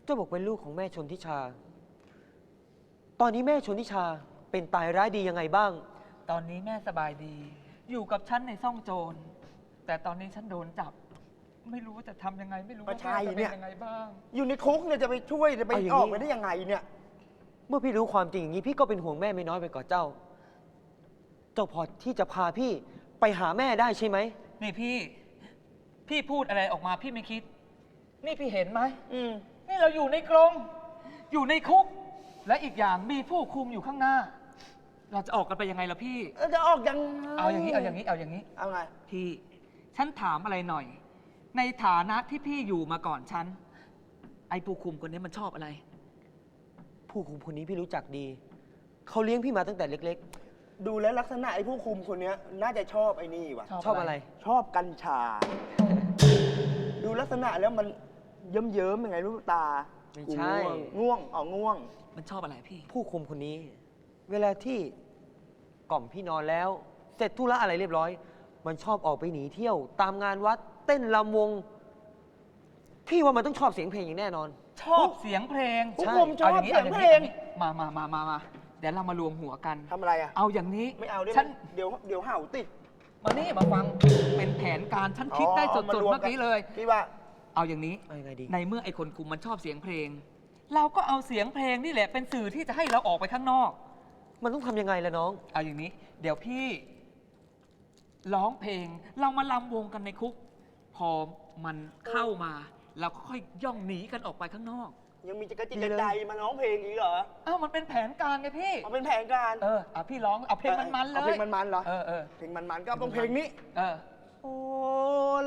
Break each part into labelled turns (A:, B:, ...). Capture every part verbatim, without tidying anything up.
A: เจ้าบอกเป็นลูกของแม่ชนทิชาตอนนี้แม่ชนทิชาเป็นตายร้ายดียังไงบ้าง
B: ตอนนี้แม่สบายดี อยู่กับฉันในซ่องโจรแต่ตอนนี้ฉันโดนจับไม่รู้ว่าจะทำยังไงไม่รู้ว่าแม่จะเป็นยังไงบ้าง
C: อยู่ในคุกเนี่ยจะไปช่วยจะไปออกไปได้ยังไงเนี่ย
A: เมื่อพี่รู้ความจริงอย่างนี้พี่ก็เป็นห่วงแม่ไม่น้อยไปกว่าเจ้าเจ้าพอที่จะพาพี่ไปหาแม่ได้ใช่ไหม
B: นี่พี่พี่พูดอะไรออกมาพี่ไม่คิดนี่พี่เห็นไหมอืมนี่เราอยู่ในกรงอยู่ในคุกและอีกอย่างมีผู้คุมอยู่ข้างหน้าเราจะออกกันไปยังไงล่ะพี่
C: จะออกยัง
B: เอาอย่างนี้เอาอย่างนี้เอาอย่างนี้
C: เอาไง
B: พี่ฉันถามอะไรหน่อยในฐานะที่พี่อยู่มาก่อนฉันไอ้ผู้คุมคนนี้มันชอบอะไร
A: ผู้คุมคนนี้พี่รู้จักดีเขาเลี้ยงพี่มาตั้งแต่เล็ก
C: ๆดูแลลักษณะไอ้ผู้คุมคนนี้น่าจะชอบไอ้นี่วะ
A: ชอบอะไร
C: ชอบกัญชาดูลักษณะแล้วมันเยิ้มเยิ้มยังไงรู้ตา
A: ไม่ใช่
C: ง่วงอ๋อง่วง
B: มันชอบอะไรพี่
A: ผู้คุมคนนี้เวลาที่กล่อมพี่นอนแล้วเสร็จธุระอะไรเรียบร้อยมันชอบออกไปหนีเที่ยวตามงานวัดเต้นรำวงพี่ว่ามันต้องชอบเสียงเพลงอย่างแน่นอน
B: ชอบเสียงเพลง
C: ผู้คุมชอบเสียงเพลง
B: มามามามามาเดี๋ยวเรามารวมหัวกัน
C: ทำอะไรอ่ะ
B: เอาอย่างนี้
C: ไม่เอาฉันเดี๋ยวเดี๋ยวเห่าติด
B: มานี่มาฟังเป็นแผนการฉันคิดได้สดๆเมื่อกี้เลย
C: พี่ว่า
B: เอาอย่างนี้ในเมื่อไอ้คนคุมมันชอบเสียงเพลงเราก็เอาเสียงเพลงนี่แหละเป็นสื่อที่จะให้เราออกไปข้างนอก
A: มันต้องทำยังไงล่ะน้อง
B: เอาอย่างนี้เดี๋ยวพี่ร้องเพลงเรามาลำวงกันในคุกพอมันเข้ามาเราก็ค่อยย่องหนีกันออกไปข้างนอก
C: ยังมีจักรจิตกระใจมาร้องเพลงอีกเหรอ
B: อ้าวมันเป็นแผนการไงพี่
C: มันเป็นแผนการ
B: เออเอาพี่ร้องเอาเพลงมันๆเลย
C: เอาเพลงมันๆเหรอ
B: เออเออ
C: เพลงมันๆก็ต้องเพลงนี้
B: เออ
C: โอ้เล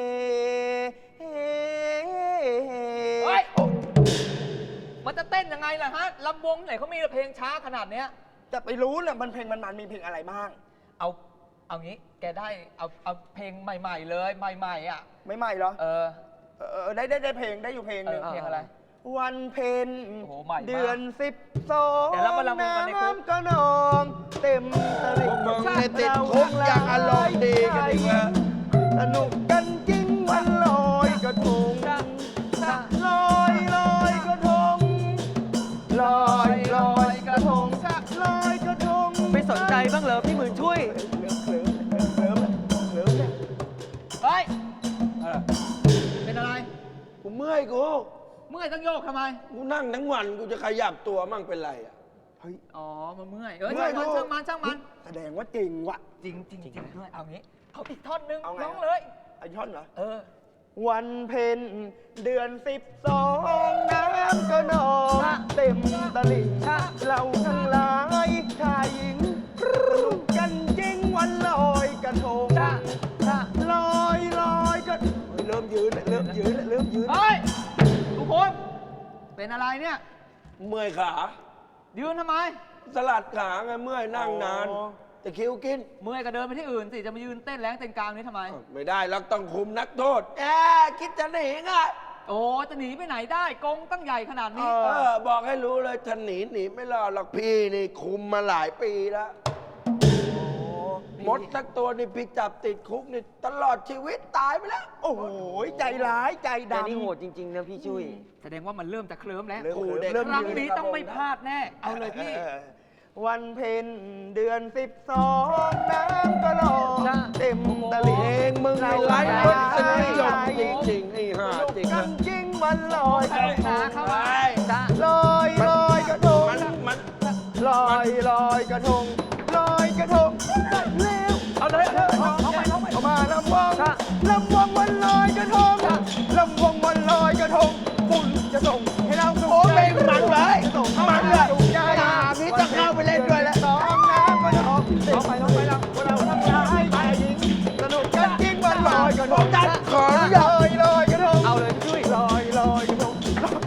B: เฮ้ยมันจะเต้นยังไงล่ะฮะลำวงไหนเขามีเพลงช้าขนาดเนี้ย
C: จะไปรู้เนี่ยมันเพลงมันๆมีเพลงอะไรบ้าง
B: เอาเอางี้แกได้เอาเอาเพลงใหม่ๆเลยใหม่ๆอ่ะ
C: ไม่ใหม่เหรอ
B: เออ
C: เออได้ได้ได้เพลงได้อยู่เพลงหนึ่ง
B: เพลงอะไร
C: วันเพ็ญเดือนสิบสอง
B: น้
C: ำก็นองเต็มตลิ่ง
D: มึงในติดคุกอย่างอารมณ์ดีกันดีกว่า
C: สนุกกันจริงวันลอยกระทงลอยลอยกระทงลอยลอยกระทงลอยกระทง
A: ไม่สนใจบ้างเหรอพี่หมื่นช่วย
C: เคลิ้มเคลิ้มเคลิ้มเนี่ย
B: เฮ้ยเป็นอะไร
D: กูเมื่อยกู
B: เมื่อยต้องโยกทำไม
D: กูนั่งทั้งวันกูจะขยับตัวมั่งเป็นไรอ่ะ
C: เฮ้ย
B: อ๋อมันเมื่อยเออช่างมันช่างมันช่างมัน
C: แสดงว่าจริงว่ะ
B: จริงจริงจริงด้วยเอางี้เอาอีกท่อนนึงร้องเลย
C: เอาท่อนเหรอ
B: เออ
C: วันเพ็ญเดือนสิบสองน้ำก็นองเต็มตลิ่งเราทั้งหลายชายหญิงสนุกกันจริงวันลอยกระทงลอยลอยก็เริ่มยืนเริ่มยืนเริ่มยืน
B: เฮ้ยทุกคนเป็นอะไรเนี่ย
D: เมื่อยขา
B: ยืนทำไม
D: สลัดขาไงเมื่อยนั่งนานแต่คิวกิน
B: เมื่อยก็เดินไปที่อื่นสิจะมายืนเต้นแรงเต้นกลางนี้ทำไม
D: ไม่ได้เราต้องคุมนักโทษแอคิดจะหนีไง
B: โอ้จะหนีไปไหนได้กงตั้งใหญ่ขนาดนี้
D: เออบอกให้รู้เลยจะหนีหนีไม่รอดหรอกพี่นี่คุมมาหลายปีแล้วมดสักตัวนี่พี่จับติดคุกนี่ตลอดชีวิตตายไปแล้ว
C: โอ้โหใจร้ายใจดำ
A: แต่นี่โหดจริงๆนะพี่ช่วย
B: แสดงว่ามันเริ่มจะเคลิ้มแล้ว
C: ค
B: รั้งนี้ต้องไม่พลาดแน่เอาเลยพี่
C: วันเพ็ญเดือนสิบสองน้ำก็ลอยเต็มตลิ่ง
D: เองมึงไม่ไล่รถสนิยมจริงๆไอ้ห่าจริง
C: กันจริงวันลอยกระทงลอยลอยกระทงลอยลอยกระทงลอยกระทงเร็ว
B: เอาเลยเอาไปเอาไป
C: เอามาลำวงลำวงวันลอยกระทงลำวงวันลอยกระทงฝุ่นจะส่งให้เราสุขใจ
D: มันเลยมันเลย
C: ตาพี่จะเข้าไปเล่นด้วยแล้วสองน้ำก็จะออกเอาไปเอาไปแล้วเราทำชายชายหญิงสนุกกันจริงวันลอยกระทงจัดขอลอยลอยกระทง
A: เอาเลยช่วย
C: ลอยลอยกระทง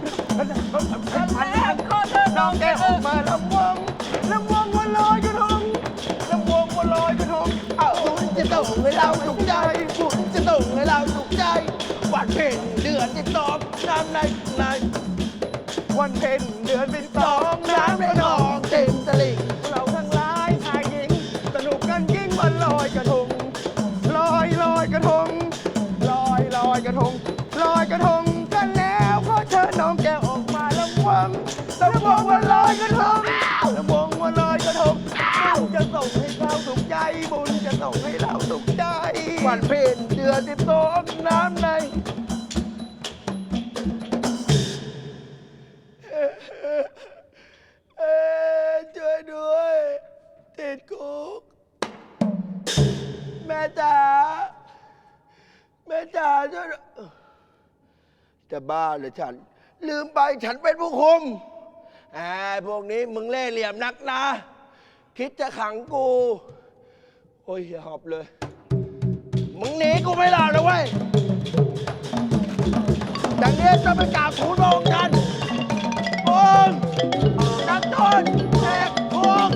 C: น้องแกออกมาลำวงลำวงวันลอยกระทงลำวงวันลอยกระทงเอาฝุ่นจะส่งให้เราสุขใจฝุ่นจะส่งให้เราสุขใจวันเพ็ญเดือนที่สองน้ำในในวันเพ็ญเดือนที่สองน้ำในนองเต็มตลิ่งเราทั้งหลายชายหญิงสนุกกันยิ่งวันลอยกระทงลอยลอยกระทงลอยลอยกระทงลอยกระทงกันแล้วขอเชิญน้องแก้วออก
D: วันเพ็ญเดือนสิบสองน้ำในเอ่อเอ่อช่วยด้วยติดคุกแม่จ๋าแม่จ๋าช่วยด้วยจะบ้าเหรือฉัน ลืมไปฉันเป็นผู้คุมไอ้พวกนี้มึงเล่ห์เหลี่ยมนักนะ คิดจะขังกู โอ้ยอย่าหอบเลย มึงหนีกูไม่รอดเลยเว้ยจากนี้จะไปกราบทูลพระองค์ท่านองค์นักโทษแหกคุก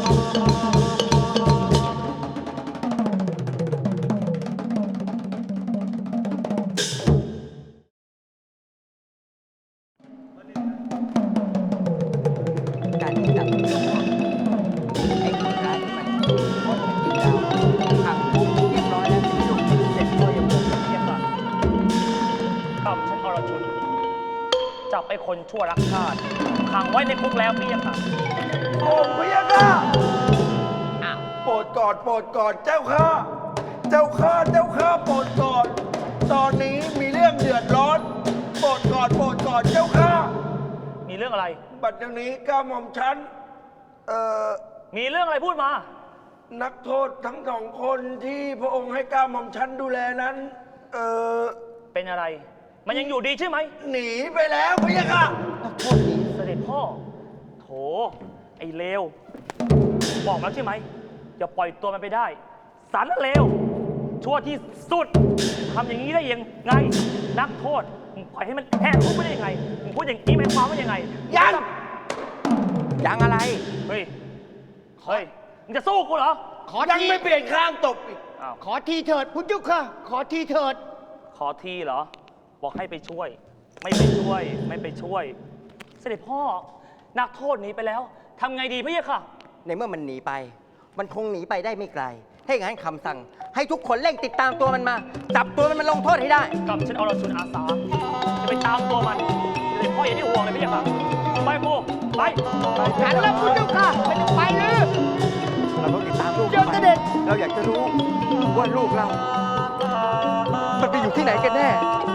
C: การที่จับไอ้คนร้ายที่มันโคตรเป็นจริงแล้วขังคุกเรียบร้อยแล้วสิลูกเสร็จก็ยังคงเรียบร้อย
E: ข้ามชั้นอรชุนจับไอ้คนชั่วรักชาติขังไว้ในคุกแล้วพี่ค่ะ
D: โอ้พระยาค่ะโปรดกอดโปรดกอดเจ้าข้า เจ้าข้า เจ้าข้าโปรดกอด ตอนนี้มีเรื่องเดือดร้อน โปรดกอดโปรดกอดเจ้าข้า
E: มีเรื่องอะไร
D: บัดเดี๋ยวนี้ก้าหม่อมฉัน เอ่อ
E: มีเรื่องอะไรพูดมา
D: นักโทษทั้งสองคนที่พระองค์ให้ก้าหม่อมฉันดูแลนั้น เอ่อ
E: เป็นอะไร มันยังอยู่ดีใช่ไหม
D: หนีไปแล้วพระยาค่ะ
E: นักโทษหนีเสด็จพ่อ โถ ไอ้เลว บอกแล้วใช่ไหมอย่าปล่อยตัวมันไปได้ สารเลว ชั่วที่สุดทำอย่างนี้ได้ยังไง นักโทษมึงปล่อยให้มันแหกคุกไปได้ยังไงมึงพูดอย่างนี้หมายความว่ายังไง
D: ยัง
C: ยังอะไร
E: เฮ้ย เฮ้ย มึงจะสู้กูเหรอ
C: ขอ
D: ยัง
C: ที
D: ไม่เปลี่ยนข้างตบอีก
E: อ้าว
C: ขอทีเถิดพุทธเจ้าค่ะ ขอทีเถิด
E: ขอทีเหรอ บอกให้ไปช่วย ไม่ไปช่วย ไม่ไปช่วย เสด็จพ่อ นักโทษหนีไปแล้วทำไงดีพี่ค่ะ
C: ในเมื่อมันหนีไป มันคงหนีไปได้ไม่ไกล ให้งั้นคำสั่ง ให้ทุกคนเร่งติดตามตัวมันมา จับตัวมันมาลงโทษให้ได้
E: กับฉันเอาเราชุนอาสา จะไปตามตัวมันเสด็จพ่ออย่าได้ห่วงเลยพี่ค่ะ ไปปูไป
C: ฉันแล้วพุทธเจ้าค่ะไม่ต้องไปเลย เราต้องติดตามลูกเจ้าเสด็จเราอยากจะรู้ว่าลูกเรา มันไปอยู่ที่ไหนกันแน่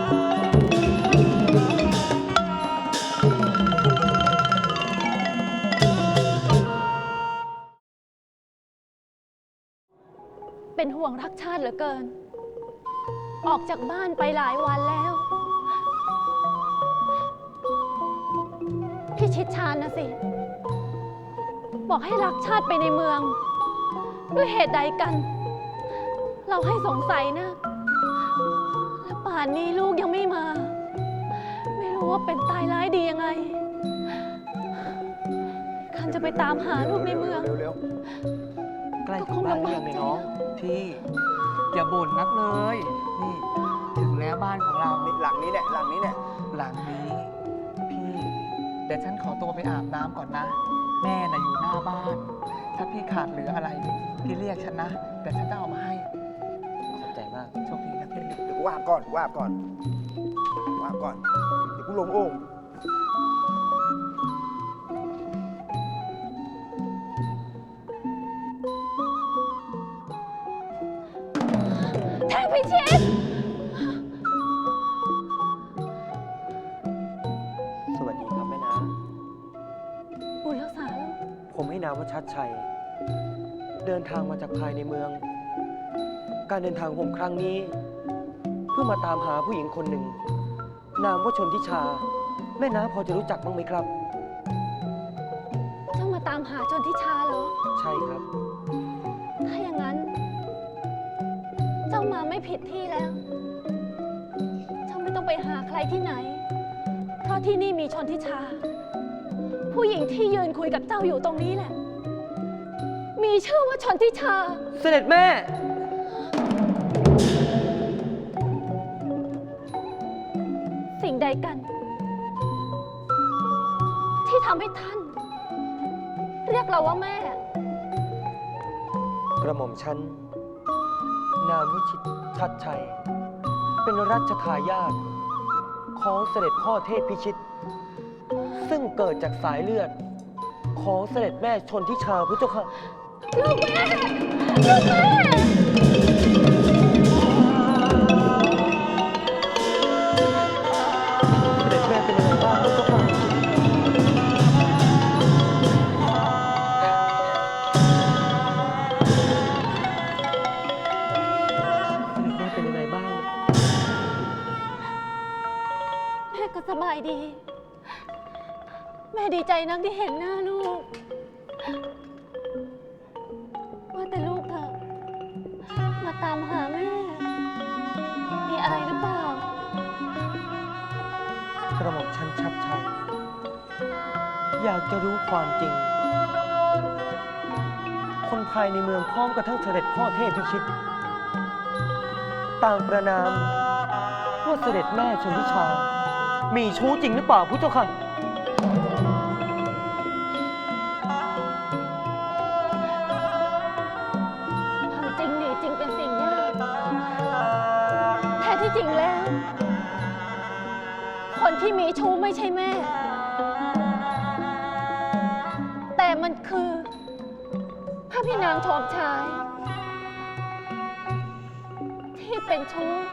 F: เป็นห่วงรักชาติเหลือเกิน ออกจากบ้านไปหลายวันแล้ว พี่ชิดชานนะสิ บอกให้รักชาติไปในเมือง ด้วยเหตุใดกัน เราให้สงสัยนะ และป่านนี้ลูกยังไม่มา ไม่รู้ว่าเป็นตายร้ายดียังไงคันจะไปตามหาลูกในเมือง
C: เร็ว
A: ใกล้ถึงบ้านหรือยังเนี่ยน้อง
B: พี่ อย่าบ่นนักเลย นี่ถึงแล้วบ้านของเรา
C: ๆหลังนี้แหละหลังนี้แหละ
B: หลังนี้ พี่ เดี๋ยวฉันขอตัวไปอาบน้ำก่อนนะ แม่น่ะอยู่หน้าบ้าน ถ้าพี่ขาดเหลืออะไร พี่เรียกฉันนะเดี๋ยวฉันจะเอามาให้
A: ขอบใจมาก
B: โชคดีนะพี่
C: เดี๋ยวกูว่าบก่อนว่าบก่อนว่าบก่อน เดี๋ยวกูลงโอ่ง
F: เทพพิชิต
A: สวัสดีครับแม่นา
F: บุญรักษาลูก
A: ผมให้นามว่าชัดชัย เดินทางมาจากภายในเมือง การเดินทางของผมครั้งนี้ เพื่อมาตามหาผู้หญิงคนหนึ่ง นามว่าชนทิชา แม่น้าพอจะรู้จักบ้างไหมครับ
F: เจ้ามาตามหาจนทิชาเหรอ
A: ใช่ครับ
F: ถ้าอย่างนั้น เจ้ามาไม่ผิดที่แล้ว เจ้าไม่ต้องไปหาใครที่ไหน เพราะที่นี่มีชนทิชา ผู้หญิงที่ยืนคุยกับเจ้าอยู่ตรงนี้แหละ มีชื่อว่าชนทิชา
A: เสด็จแม่
F: สิ่งใดกัน ที่ทำให้ท่าน เรียกเราว่าแม่
A: กระหม่อมฉัน นามวิชิตชัดชัย เป็นรัชทายาทของเสด็จพ่อเทพพิชิต ซึ่งเกิดจากสายเลือด ของเสด็จแม่ชนทิชาพุทธเจ้าค่ะ
F: ลูกแม่ ลูกแม่ม่ก็สบายดี แม่ดีใจนักที่เห็นหน้าลูก ว่าแต่ลูกเถอะมาตามหาแม่ มีอะไรหรือเปล่า
A: กระหม่อมชั้นชัดชัย อยากจะรู้ความจริง คนภายในเมืองพร้อมกับทั้งเสด็จพ่อเทพพิชิต ต่างประนามว่าเสด็จแม่ชนทิชา มีชู้จริงหรือเปล่าพุทธเจ้าค่ะ
F: ความจริงหนีจริงเป็นสิ่งยาก แท้ที่จริงแล้ว คนที่มีชู้ไม่ใช่แม่ แต่มันคือพระพี่นางทองชาย ที่เป็นชู้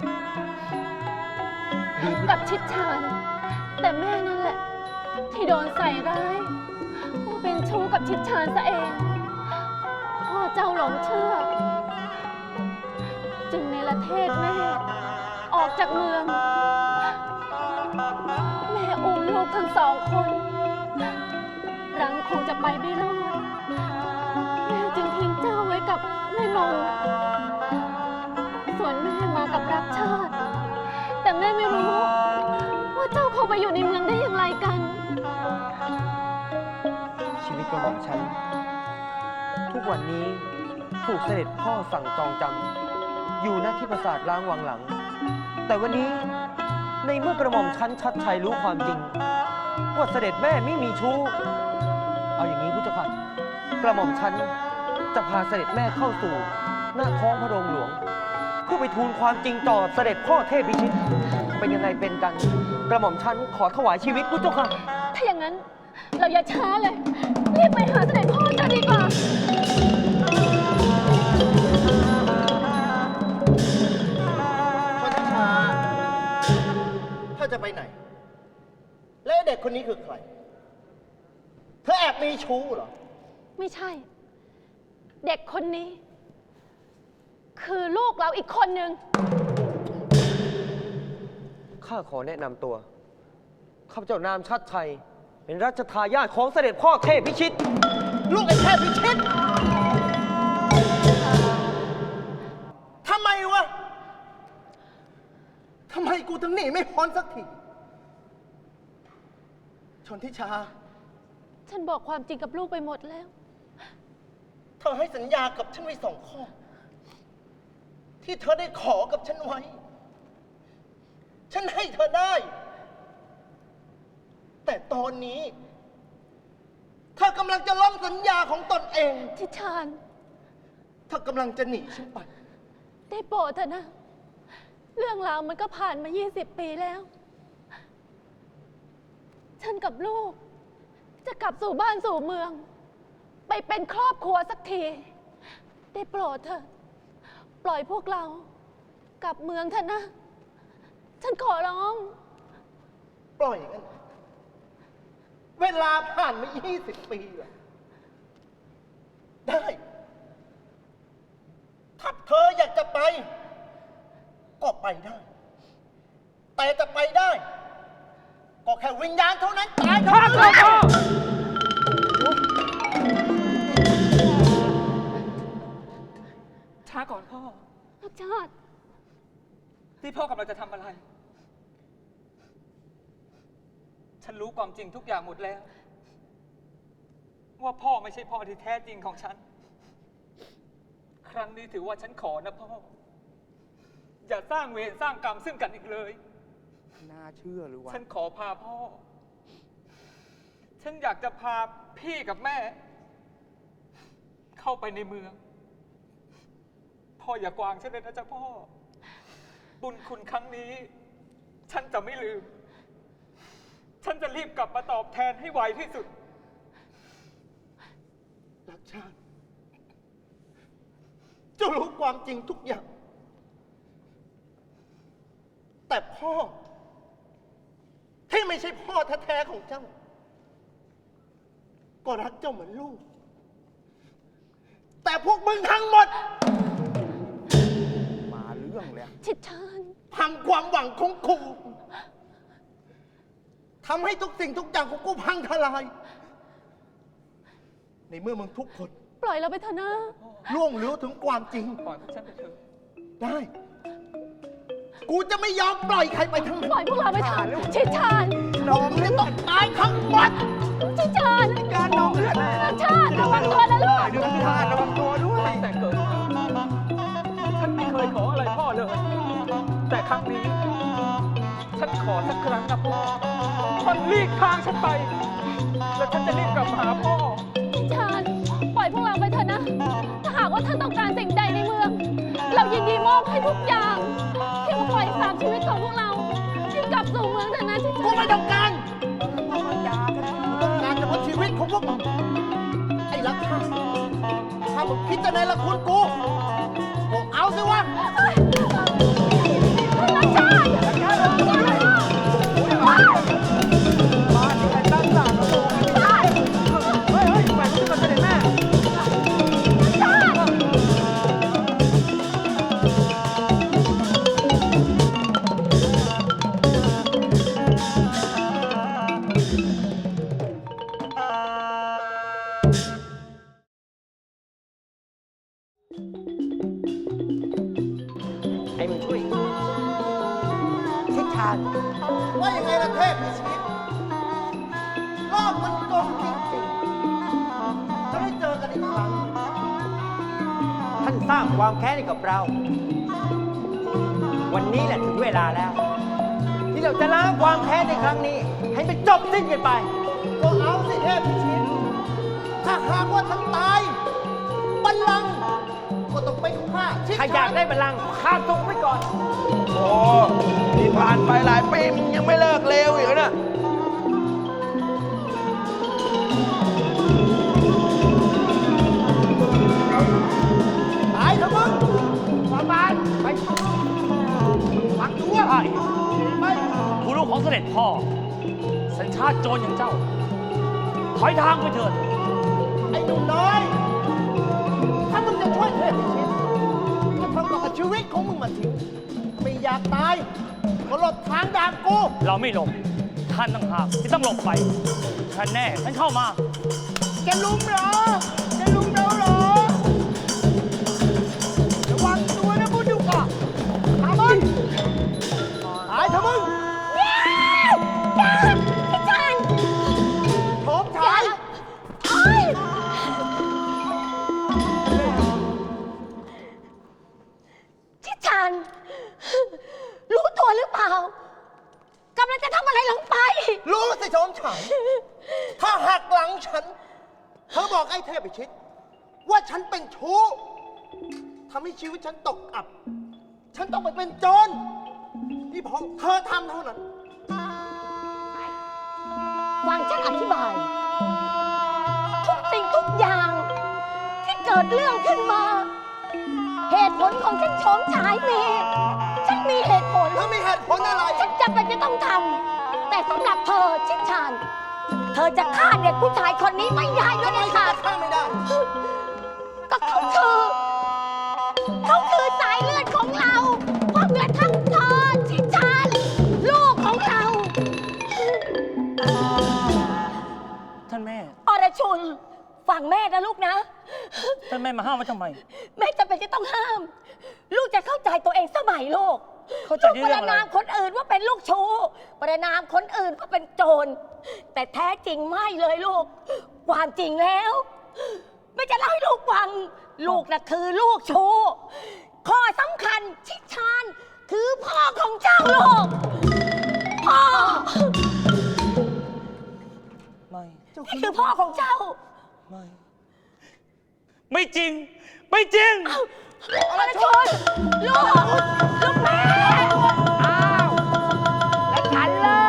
F: กับชิดชาน แต่แม่นั่นแหละ ที่โดนใส่ร้ายว่าเป็นชู้กับชิดชานซะเองพ่อเจ้าหลงเชื่อ จึงในละเทศแม่ ออกจากเมือง แม่อุ้มลูกทั้งสองคนรังคงจะไปไม่รอด แม่จึงทิ้งเจ้าไว้กับแม่นง ส่วนแม่มากับรักชาติ แต่แม่ไม่รู้ว่าเจ้าเข้าไปอยู่ในเมืองได้อย่างไรกัน
A: ชีวิตกระหม่อมฉัน ทุกวันนี้ถูกเสด็จพ่อสั่งจองจำอยู่หน้าที่ปราสาทล้างวังหลัง แต่วันนี้ในเมื่อกระหม่อมฉันชัดชัยรู้ความจริง ว่าเสด็จแม่ไม่มีชู้ เอาอย่างนี้พุทธเจ้าค่ะกระหม่อมฉันจะพาเสด็จแม่เข้าสู่หน้าท้องพระโรงหลวง เพื่อไปทูลความจริงต่อเสด็จพ่อเทพพิชิต เป็นยังไงเป็นกัน กระหม่อมฉันขอถวายชีวิตพุทธเจ้าค่ะ
F: ถ้าอย่างนั้นเราอย่าช้าเลยรีบไปหาเสด็จพ่อจะดีกว่า
C: พระธิชาถ้าจะไปไหน และเด็กคนนี้คือใคร เธอแอบมีชู้เหรอ
F: ไม่ใช่ เด็กคนนี้ คือลูกเราอีกคนหนึ่ง
A: ข้าขอแนะนำตัว ข้าพเจ้านามชัดชัย เป็นรัชทายาทของเสด็จพ่อเทพพิชิต
C: ลูกไอ้เทพพิชิตทำไมวะ ทำไมกูถึงหนีไม่พ้นสักที ชนทิชา
F: ฉันบอกความจริงกับลูกไปหมดแล้ว
C: เธอให้สัญญากับฉันไว้สองข้อ ที่เธอได้ขอกับฉันไว้ ฉันให้เธอได้ แต่ตอนนี้เธอกำลังจะล้มสัญญาของตนเอง
F: ทิชาน
C: เธอกำลังจะหนีฉันไป
F: ได้โปรดเถอะนะ เรื่องราวมันก็ผ่านมา ยี่สิบ ปีแล้ว ฉันกับลูก จะกลับสู่บ้านสู่เมือง ไปเป็นครอบครัวสักที ได้โปรดเถอะ ปล่อยพวกเรา กลับเมืองเถอะนะ ฉันขอร้อง
C: ปล่อยกัน เวลาผ่านมา ยี่สิบ ปีอะได้ ถ้าเธออยากจะไป ก็ไปได้ แต่จะไปได้ ก็แค่วิญญาณเท่านั้นตายเท่านั้นแหละ
B: ช้าก่อนพ่อ
F: รักชาติ
B: ที่พ่อกำลังจะทำอะไร ฉันรู้ความจริงทุกอย่างหมดแล้ว ว่าพ่อไม่ใช่พ่อที่แท้จริงของฉัน ครั้งนี้ถือว่าฉันขอนะพ่อ อย่าสร้างเวรสร้างกรรมซึ่งกันอีกเลย
D: น่าเชื่อหรือวะ
B: ฉันขอพาพ่อ ฉันอยากจะพาพี่กับแม่ เข้าไปในเมือง พ่ออย่ากวางฉันเลยนะจ๊ะพ่อ บุญคุณครั้งนี้ ฉันจะไม่ลืม ฉันจะรีบกลับมาตอบแทนให้ไวที่สุด
C: รักชาติเจ้ารู้ความจริงทุกอย่าง แต่พ่อ ที่ไม่ใช่พ่อแท้ๆของเจ้า ก็รักเจ้าเหมือนลูก แต่พวกมึงทั้งหมด
D: มาเรื่องเลย
F: ชิดชาน
C: พังความหวังของกูทำให้ทุกสิ่งทุกอย่างของกูพังทลาย ในเมื่อมึงทุกคน
F: ปล่อยเราไปเถอะนะ
C: ล่วงรู้ถึงความจริง
B: ปล่อยฉันไปเถอะ
C: ได้ กูจะไม่ยอมปล่อยใครไปทั้งหมด
F: ปล่อยพวกเราไปเถอะชิดชาน
C: น้องจะต้องตายทั้งหมด
F: ชิดชาน
C: การน้องเลือด
F: ชาติระวังตัวนะลูก
C: ดูที่ท่าระวังตัวด้วย
B: แต่เกิดมาฉันไม่เคยขออะไรพ่อเลย แต่ครั้งนี้ ฉันขอสักครั้งนะพ่อมันหลีกทางฉันไป แล้วฉันจะรีบกลับมาหาพ่อ
F: ชิดชานปล่อยพวกเราไปเถอะนะ ถ้าหากว่าท่านต้องการสิ่งใดในเมือง เรายินดีมอบให้ทุกอย่างเพียงปล่อยสามชีวิตของพวกเราให้กลับสู่เมืองเถอะนะชิด
C: กู
F: ชาน
C: ไม่ต้องการกูต้องการเฉพาะชีวิตของพวกมึงไอ้รักข้าถ้ามึงคิดจะในละคุณกูบอกเอาสิวะ
F: รักชาติ
C: มาที่ไหนตั้งหลักโอ้ยเฮ้ยเฮ้ยไปที่มันเสด็จแม่
A: ไอ้มึงช่วยชิดชาน
C: ว่ายังไงล่ะเทพในชีวิตโลกมันกลมจริงๆจะได้เจอกันอีกครั้ง
A: ท่านสร้างความแค้นให้กับเรา วันนี้แหละถึงเวลาแล้ว ที่เราจะล้างความแค้นในครั้งนี้ ให้มันจบสิ้นกันไป
C: ก็เอาสิเทพพิชิต ถ้าหากว่าท่านตายบัลลังก์ก็ต้องเป็นข้าชิด
A: ถ้าอยากได้บัลลังก์ข้ามตรงไว้ก่อน
D: โอ้ที่ผ่านไปหลายปีมึงยังไม่เลิกเลวอีกเหรอเนี่ย
C: ตายเถอะมึงประมาณไปฟังดูว่า
E: ใช่
C: ไป
E: ผู้ลูกของเสด็จพ่อ สัญชาติโจรอย่างเจ้า ถอยทางไปเถิด
C: ไอ้หนุ่มน้อย ถ้ามึงจะช่วยเทพพิชิตก็ทำกับชีวิตของมึงมาทิ้งไม่อยากตายก็หลบทางด่านกู
E: เราไม่หลบ ท่านต่างหากที่ต้องหลบไปท่านแน่ ท่านเข้ามา
C: จะลุมเหรอ จะลุมเราเหรอ ระวังตัวนะพูดดูก่อนตามมันตายเถอะมึง
F: ชิดชาน
C: โถมชาย
F: โอ๊ยชิดชานรู้ตัวหรือเปล่ากำลังจะทำอะไรลงไป
C: รู้สิโฉมฉาย ถ้าหักหลังฉัน เธอบอกไอ้เทพพิชิต ว่าฉันเป็นชู้ทำให้ชีวิตฉันตกอับ ฉันต้องไปเป็นโจรนี่เพราะเธอทำเท่านั้น
F: ฟังฉันอธิบาย ทุกสิ่งทุกอย่าง ที่เกิดเรื่องขึ้นมา เหตุผลของฉันโฉมฉายมี ฉันมีเหตุผล
C: เธอมีเหตุผลอะไร
F: ฉันจำเป็นจะต้องทำ แต่สำหรับเธอชิดชาน เธอจะฆ่าเด็กผู้ชายคนนี้ไม่ได้ด้วย
C: ทำไม
F: นะ
C: ฉั
F: คะ
C: นจะฆ่าไม่ได้
F: ก็เขาคือ เขาคือสายเลือดของเราเพราะเหมือนทั้งเธอชิดชานลูกของเรา
E: ท่านแม่
F: อรชุน ฟังแม่นะลูกนะ
E: ท่านแม่มาห้ามไว้ทำไม
F: แม่จำเป็นจะต้องห้าม ลูกจะเข้าใจตัวเองสมัยลูก
E: เข้าใจ
F: ลูก
E: ใน
F: ป
E: เรื่อ
F: ระ
E: งอะไร
F: นามคนอื่นว่าเป็นลูกชู้ประนามคนอื่นว่าเป็นโจร แต่แท้จริงไม่เลยลูก ความจริงแล้ว ไม่จะเล่าให้ลูกฟัง ลูกน่ะคือลูกชู้ข้อสำคัญชิดชานคือพ่อของเจ้าลูก พ่อ
E: ไม่
F: นี่คือพ่อของเจ้า
E: ไม่ ไม่จริง ไม่จริง
F: อรชนลูก ลูกแม่
C: อ้าว แล้วฉันล่ะ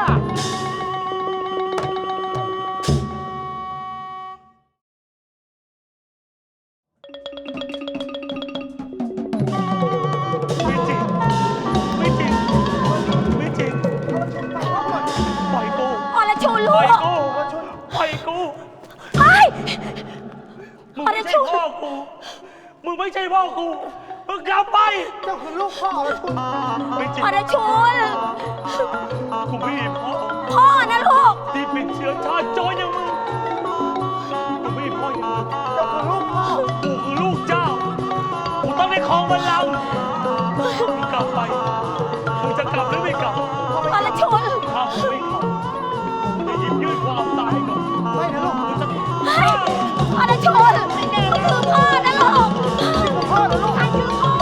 E: ไม่จริง ไม่จริง ไม่จริง ปล่อยกู
F: อรชน
E: ป
F: ลู
E: ล่อย
F: ก
E: กู ปล่อยกู
F: ไอ้
E: มึงไม่ใช่พ่อกู มึงไม่ใช่พ่อกู มึงกลับไป
C: เจ้าคือลูกพ่อของคุณ
E: ไม่จริง
F: อรชน
E: กูไม่มีพ่อ
F: พ่อนะลูก
E: เป็นเชื้อชาติโจรอย่างมึงกูไม่ได้พ่ออย่างมึง
C: เจ้าคือลูกพ่อ
E: กูคือลูกเจ้า กูต้องได้ครองบัลลังก์มึงกลับไป มึงจะกลับหรือไม่กลับ
F: อรชน
E: ถ้ามึงไม่กลับมึงจะหยิบยื่นความตายให้กับ
C: ไม่นะลูก
E: มึงจะ
F: อรชนคือพ่อนะลูก
C: พ่อนะลูก
F: ท่านคือพ่อ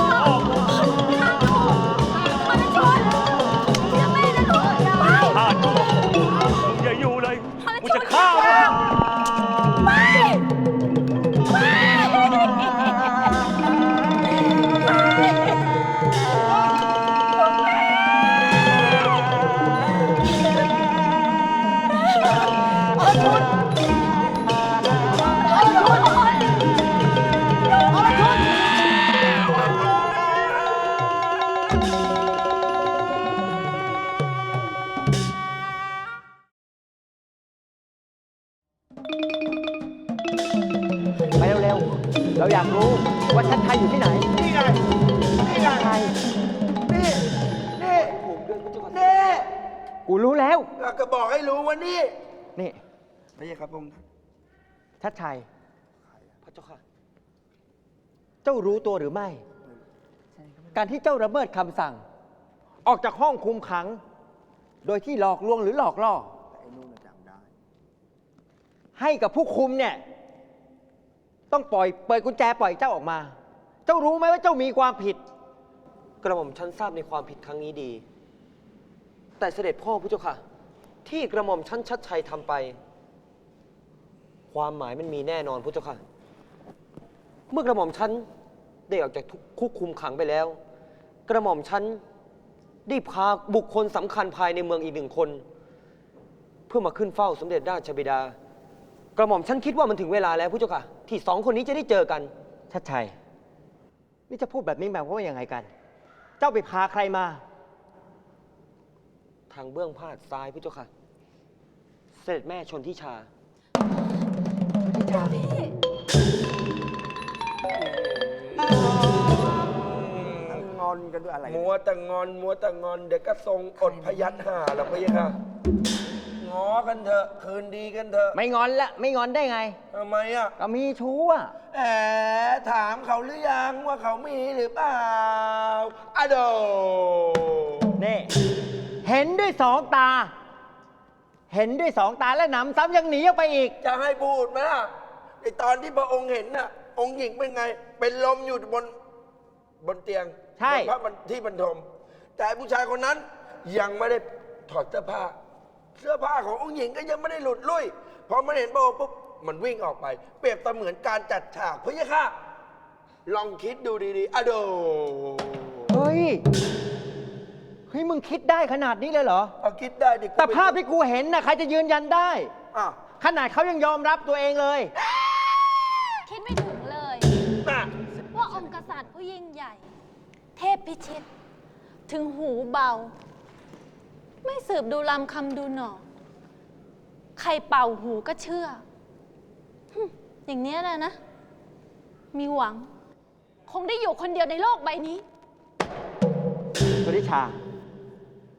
F: อรชนเชื่อแม่นะลูกไป
E: ฆ่ากูมึงอย่าอยู่เลย กูจะฆ่ามึง
F: ไปไป
A: ไปเร็วๆ เราอยากรู้ว่าชัดชัยอยู่ที่ไหน
D: นี่ไง นี่ไง
A: ชัดชัย
D: นี่ นี่ นี่
A: กูรู้แล้ว
D: เราก็บอกให้รู้ว่านี่
A: นี่
D: ไม่ใช่ครับผม
A: ชัดชัย พระเจ้าค่ะ เจ้ารู้ตัวหรือไม่ การที่เจ้าระเบิดคำสั่ง ออกจากห้องคุมขัง โดยที่หลอกลวงหรือหลอกล่อ
D: ไอ้นู่นน่ะจำได้
A: ให้กับผู้คุมเนี่ย ต้องปล่อยเปิดกุญแจปล่อยเจ้าออกมา เจ้ารู้ไหมว่าเจ้ามีความผิด กระหม่อมฉันทราบในความผิดครั้งนี้ดี แต่เสด็จพ่อพระเจ้าค่ะ ที่กระหม่อมฉันชัดชัยทำไป ความหมายมันมีแน่นอนพระเจ้าค่ะ เมื่อกระหม่อมฉันได้ออกจากคุกคุมขังไปแล้ว กระหม่อมฉันได้พาบุคคลสำคัญภายในเมืองอีกหนึ่งคน เพื่อมาขึ้นเฝ้าสมเด็จราชบิดา กระหม่อมฉันคิดว่ามันถึงเวลาแล้วพระเจ้าค่ะ ที่สองคนนี้จะได้เจอกัน ชัดชัย นี่จะพูดแบบนี้หมายความว่าอย่างไงกัน เจ้าไปพาใครมา ทางเบื้องพาดซ้ายพระเจ้าค่ะ เสด็จแม่ชนทิชา
C: งอนกันด้วยอะไร
D: มัวแต่งอน มัวแต่งอน เดี๋ยวก็ทรงอดพยัญหาแล้วพี่ค่ะง้อกันเถอะ คืนดีกันเถอะ
A: ไม่งอนละ ไม่งอนได้ไง
D: ทำไมอ่ะ
A: ก็มีชู้อ่ะ
D: แหมถามเขาหรือยังว่าเขามีหรือเปล่าอะโด
A: นี่ เห็นด้วยสองตา เห็นด้วยสองตาและหนำซ้ำยังหนีออกไปอีก
D: จะให้พูดไหมล่ะไอตอนที่พระองค์เห็นน่ะ องค์หญิงเป็นไง เป็นลมอยู่บนบนเตียง
A: ใช่
D: บนพระบรรที่บรรทม แต่ผู้ชายคนนั้นยังไม่ได้ถอดเสื้อผ้า เสื้อผ้าขององค์หญิงก็ยังไม่ได้หลุดลุ่ยพอมันเห็นพระองค์ปุ๊บมันวิ่งออกไป เปรียบเสมือนการจัดฉากพะยะค่ะ ลองคิดดูดีๆอะโด
A: เฮ้ย เฮ้ย มึงคิดได้ขนาดนี้เลยเหรอ
D: เอาคิดได้ดิกู
A: แต่
D: ไป
A: ภาพที่กูเห็นน่ะใครจะยืนยันได้
D: อ่ะ
A: ขนาดเขายังยอมรับตัวเองเลย
F: คิดไม่ถึงเลย
D: น่ะ
F: ว่าองค์กษัตริย์ผู้ยิ่งใหญ่ เทพพิชิต ถึงหูเบา ไม่สืบดูลำคำดูหนอ ใครเป่าหูก็เชื่อหึอย่างเนี้ยนะนะ มีหวัง คงได้อยู่คนเดียวในโลกใบนี้
A: สุริชา